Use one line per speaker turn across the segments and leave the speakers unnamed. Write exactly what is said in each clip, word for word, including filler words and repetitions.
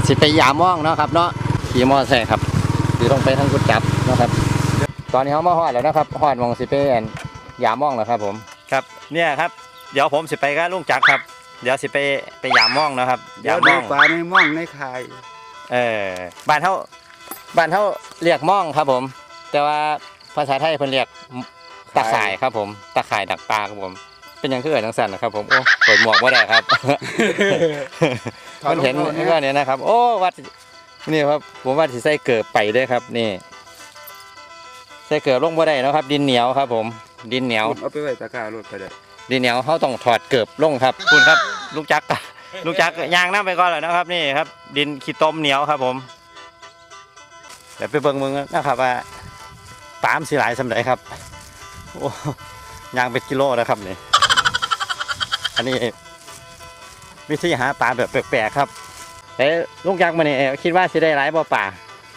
สิไปยามม่องเนาะครับเนาะขี่มอเตอร์ไซค์ครับขี่ลงไปทางกุดจับนะครับตอนนี้เขามาฮอดแล้วนะครับฮอดมองสิไปยามม่องแล้วครับผมครับเนี่ยครับเดี๋ยวผมสิไปกับลุงจักรครับเดี๋ยวสิไปไปยามม่องนะครับยามม่อง
ปลาในม่องในคาย
เออบ้านเท่าบ้านเท่าเรียกม่องครับผมแต่ว่าภาษาไทยเพิ่นเรียกตะข่ายครับผมตะข่ายดักปลาครับผมเป็นยังคือเอิ้นจังซั่นนะครับผมโอ้เปิดหมวกบ่ได้ครับ มันเห็นก็เนี่ยนะครับโอ้วัดนี่ครับผมว่าสิใส่เกิบไปด้วยครับนี่ใส่เกิบลงบ่ได้นะครับดินเหนียวครับผมดินเหนียว
เอาไปไว้ตะกร้ารถไปได้
ดินเหนียวเขาต้องถอดเกิบลงครับคุณครับลูกจักรลูกจักรยางน้ำไปก่อนเลยนะครับนี่ครับดินขี้ต้มเหนียวครับผมเดี๋ยวไปเบิ่งมึงนะครับว่าปามสิหลายสำหรับครับโอ้ยางเป็นกิโลนะครับนี่อันนี้วิธีหาปลาแบบแปลกๆครับแต่ลูกยักษ์มันนี่คิดว่าสิได้หลายบ่ป่า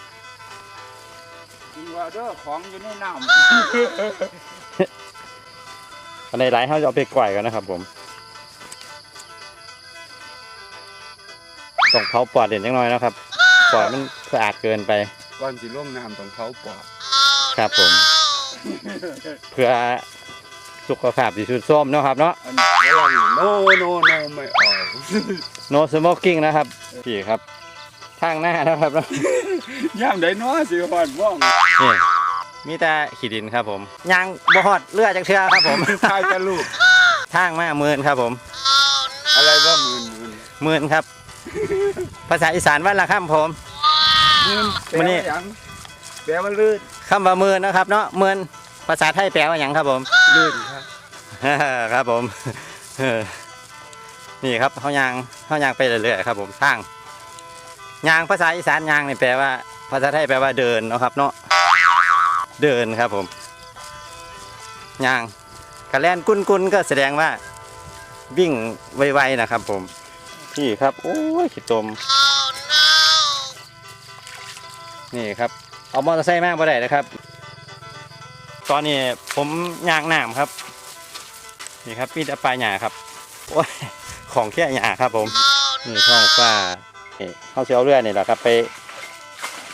คิดว่าเด้อของอยู่ในน้ำ
อันไหนหลายเขาจะเอาไปก่อยกันนะครับผมต้องเผาปอดเด่นจังน้อยนะครับปอดมันสะอาดเกินไป
ก่อนสิลงน้ำต้องเผาปอด
ครับผมเพื่อสุขภาพดีสุดส้มเนาะครับเนาะ
โนโนโนไม่ออก
no smoking นะครับพี่ครับทางหน้านะครับ
ย่ามได้น้อสิหอดม่อง
นี่มีแต่ขี้ดินครับผมยางบ่ฮอดเลือดจากเชือครับผม
ทายจะลูก
ทางมาหมื่นครับผม
อะไรว่าหมื่น
หมื่นครับภาษาอีสานว่าละคำผม
หมื่นแปลว่าหยังแปลว่าลื่น
คำว่าหมื่นนะครับเนาะหมื่นภาษาไทยแปลว่าหยังครับผม
ลื่นครับ
ครับผมนี่ครับเขายางเขายางไปเรื่อยๆครับผมทางยางภาษาอีสานยางนี่แปลว่าภาษาไทยแปลว่าเดินนะครับเนาะเดินครับผมยางกระแลนกุนกุนก็แสดงว่าวิ่งไวๆนะครับผมพี่ครับโอ้ยขี้ตมนี่ครับเอามอเตอร์ไซค์มาบ่ได้นะครับตอนนี้ผมยางน้ำครับนี่ครับมีแต่ปลาหยาครับโอ้ยของแค่หยาครับผมนี่ช่องฟ้าเขาเชียวเรือนี่แหละครับไป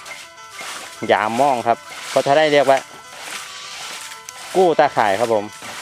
ยามม่องครับเขาจะได้เรียกว่ากู้ตาข่ายครับผม